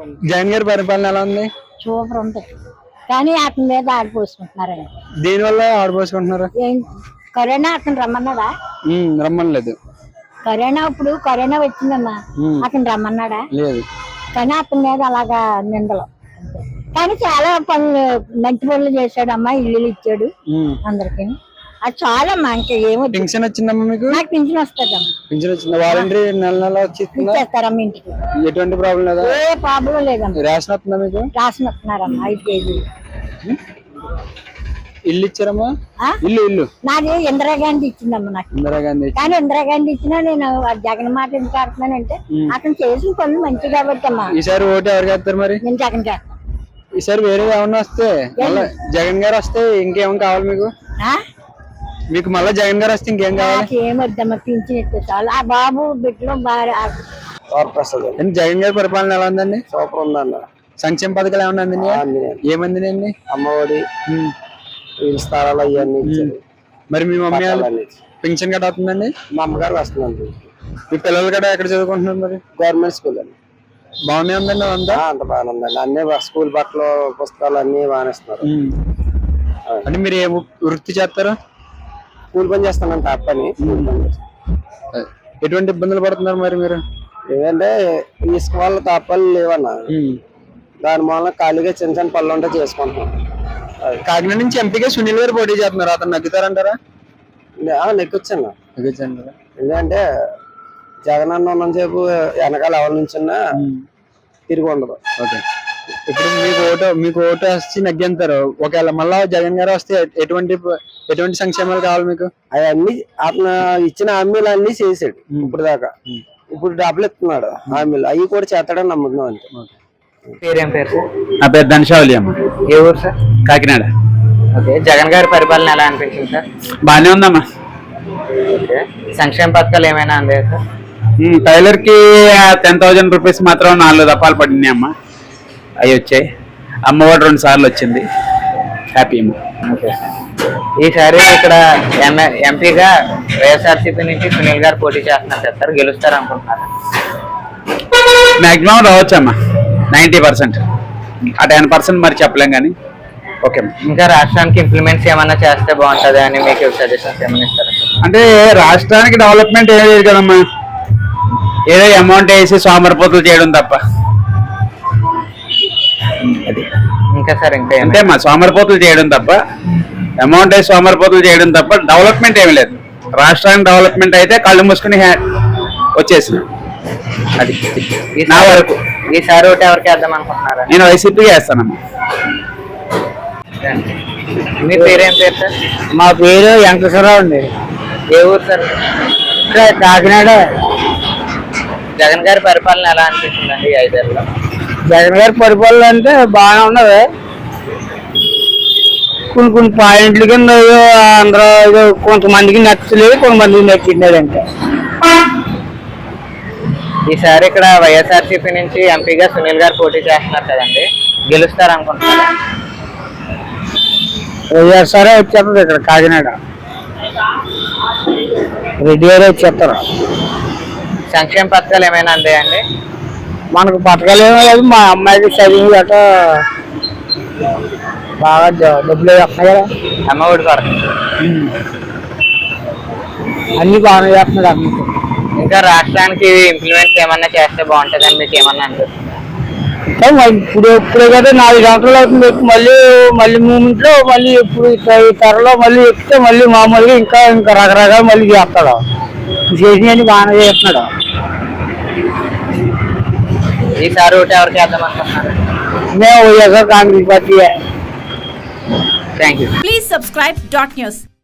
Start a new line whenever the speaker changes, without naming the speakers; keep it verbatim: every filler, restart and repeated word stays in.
జగన్ గారి పరిపాలన ఎలా ఉంది?
సూపర్ ఉంది. కానీ అతని మీద ఆడిపోసుకుంటున్నారండి.
దేని వల్ల ఆడిపోసుకుంటున్నారు?
కరోనా అతను రమ్మన్నాడా?
రమ్మనలేదు.
కరోనా ఇప్పుడు కరోనా వచ్చిందమ్మా, అతను రమ్మన్నాడా?
లేదు.
కానీ అతని మీద అలాగా నిందలు. కానీ చాలా పనులు మంచి పనులు చేశాడమ్మా, ఇల్లు ఇచ్చాడు అందరికి. అది చాలా మంచి. ఏమో
పింఛన్ వచ్చిందమ్మా మీకు?
నాకు పింఛన్ వస్తుందమ్మా.
పింఛన్ వచ్చింది. వాలంటరీ నెల నెల
ఇచ్చేస్తారమ్మా ఇంటికి.
ఎటువంటి ప్రాబ్లం లేదా?
ఏ ప్రాబ్లం లేదమ్మా.
రేషన్ వస్తుందా మీకు?
రేషన్ వస్తున్నారమ్మా ఐదు కేజీలు.
ఇల్లు ఇచ్చారమ్మా? ఇల్లు ఇల్లు
నాది ఇందిరాగాంధీ ఇచ్చిందమ్మా నాకు.
ఇందిరాగాంధీ.
కానీ ఇందిరాగాంధీ ఇచ్చినా నేను జగన్ మాట ఎందుకు ఆడుతున్నానంటే అతను చేసిన పనులు మంచి కాబట్టి అమ్మా.
ఈసారి ఓటు ఎవరికి వేస్తారు మరి?
నేను జగన్ చేస్తాను.
ఈసారి వేరే ఏమన్నా వస్తే జగన్ గారు వస్తే ఇంకేం కావాలి మీకు? మీకు మళ్ళీ జగన్ గారు వస్తే ఇంకేం కావాలి?
ఏమొద్దమ్మా, పింఛన్ ఇస్తే చాలు. ఆ బాబు బిడ్డలో బాగా
జగన్ గారి పరిపాలన ఎలా ఉందండి?
సూపర్ ఉందన్న.
సంక్షేమ పథకాలు ఏమన్నా అందినాయి? ఏమందినాయండి?
అమ్మఒడి, స్థలాలు అవన్నీ ఇచ్చారు.
మరి మీ మమ్మీ వాళ్ళు పింఛన్ గట్రా అవుతుందండి?
మా అమ్మగారు వస్తుందండి.
మీ పిల్లలు కూడా ఎక్కడ చదువుకుంటున్నారు మరి?
గవర్నమెంట్ స్కూల్ అండి.
బాగానే ఉందండి అంతా?
అంత బాగానే ఉందండి. అన్ని స్కూల్ బట్టలు పుస్తకాలు అన్ని బాగానే ఇస్తున్నారు.
అంటే మీరు ఏ వృత్తి చేస్తారా?
కూలి పని చేస్తానండి. టాప్ పని.
ఎటువంటి ఇబ్బందులు పడుతున్నారు మరి మీరు?
ఏంటంటే ఇసుక వల్ల తాపాలు లేవన్నా, దాని మూలన ఖాళీగా చిన్న చిన్న పనులు ఉంటే చేసుకుంటున్నాం.
కాకినాడ నుంచి ఎంపీగా సునీల్ గారు పోటీ చేస్తున్నారు. అతను నగ్గుతారంటారా?
నెక్కొచ్చన్నా. ఎందుకంటే జగన్ అన్న ఉన్నంతసేపు వెనకాల ఎవరి నుంచిన్నా తిరిగి ఉండదు.
ఓకే. ఇప్పుడు మీకు ఓటు మీకు ఓటు వచ్చి నగ్గంటారు. ఒకవేళ మళ్ళా జగన్ గారు వస్తే ఎటువంటి ఎటువంటి సంక్షేమాలు కావాలి మీకు? అవన్నీ
అతను ఇచ్చిన హామీలు అన్ని చేసాడు ఇప్పుడు దాకా. ఇప్పుడు డబ్బులు ఇస్తున్నాడు హామీలు, అవి కూడా చేస్తాడని నమ్ముతున్నాం అంతే.
పేరేం పేరు?
నా పేరు ధనశావలి అమ్మ.
ఏ ఊరు సార్?
కాకినాడ.
ఓకే. జగన్ గారి పరిపాలన ఎలా అనిపించింది సార్?
బాగానే ఉందమ్మా.
ఓకే. సంక్షేమ పథకాలు ఏమైనా అందాయా సార్?
టైలర్ కి టెన్ థౌజండ్ రూపీస్ మాత్రం నాలుగు దఫాలు పడినాయి అమ్మ. అవి వచ్చాయి. అమ్మఒడి రెండు సార్లు వచ్చింది. హ్యాపీ అమ్మ.
ఓకే. ఈసారి ఇక్కడ ఎంపీగా వైఎస్ఆర్సీపీ నుంచి సునీల్ గారు పోటీ చేస్తున్నారు సార్, గెలుస్తారు అనుకుంటున్నారు?
మాక్సిమం రావచ్చు అమ్మా, నైన్టీ పర్సెంట్. ఆ టెన్ పర్సెంట్ మరి చెప్పలేం కానీ ఓకే.
ఇంకా రాష్ట్రానికి ఇంప్లిమెంట్స్ ఏమన్నా చేస్తే బాగుంటుంది అని మీకు సజెషన్స్ ఏమైనా ఇస్తారా?
అంటే రాష్ట్రానికి డెవలప్మెంట్ ఏం లేదు కదమ్మా, ఏదో అమౌంట్ వేసి సోమరిపోతులు చేయడం తప్ప.
అది ఇంకా సార్ ఇంకా
అంటే మా సోమరిపోతులు చేయడం తప్ప, అమౌంట్ వేసి సోమరిపోతులు చేయడం తప్ప డెవలప్మెంట్ ఏమి లేదు. రాష్ట్రానికి డెవలప్మెంట్ అయితే కళ్ళు మూసుకుని వచ్చేసింది. అది నా వరకు.
ఈసారి ఒకటి ఎవరికి వేద్దాం అనుకుంటున్నారా?
నేను వైసీపీకి వేస్తానమ్మా.
మీ పేరేం పేరు సార్?
మా పేరు వెంకటేశ్వరరావు అండి.
ఏ ఊరు సార్?
కాకినాడ.
జగన్ గారి పరిపాలన ఎలా అనిపిస్తుందండి ఈ ఐదేళ్ళలో?
జగన్ గారి పరిపాలన అంటే బాగానే ఉన్నది. కొన్ని కొన్ని పాయింట్ల కింద అందరూ కొంతమందికి నచ్చలేదు, కొంతమందికి నచ్చింది. అంటే
ఈసారి ఇక్కడ వైఎస్ఆర్సీపీ నుంచి ఎంపీగా సునీల్ గారు పోటీ చేస్తున్నారు కదండి, గెలుస్తారు అనుకుంటున్నారా?
వైఎస్ఆర్ వచ్చేస్తుంది ఇక్కడ కాకినాడ. రెడ్డి గారు వచ్చేస్తారు.
సంక్షేమ పథకాలు ఏమైనా అందాయండి?
మనకు పథకాలు ఏమీ లేదు. మా అమ్మాయికి చదివి గట్ట బాగా డబ్బులు వేస్తున్నాయి కదా.
అమ్మఒడి కొరకు
అన్ని బాగానే చేస్తున్నాడు అమ్మ.
ఇంకా రాష్ట్రానికి ఇంప్లిమెంట్స్ ఏమన్నా చేస్తే బాగుంటుందని మీకు ఏమన్నా అనిపిస్తుంది?
ఇప్పుడు ఇప్పుడే కదా నాలుగు సంవత్సరాలు అవుతుంది. మళ్ళీ మళ్ళీ మూమెంట్లో మళ్ళీ ఇప్పుడు ఈ త్వరలో మళ్ళీ ఎక్కితే మళ్ళీ మామూలుగా ఇంకా ఇంకా రకరకాలు మళ్ళీ చేస్తాడు. చేసినవన్నీ బాగానే చేస్తున్నాడు.
ఈసారి ఒకటి ఎవరికి వేద్దాం అనుకుంటున్నారు?
మేము YSR Congress party.
Thank you.
Please subscribe dot news.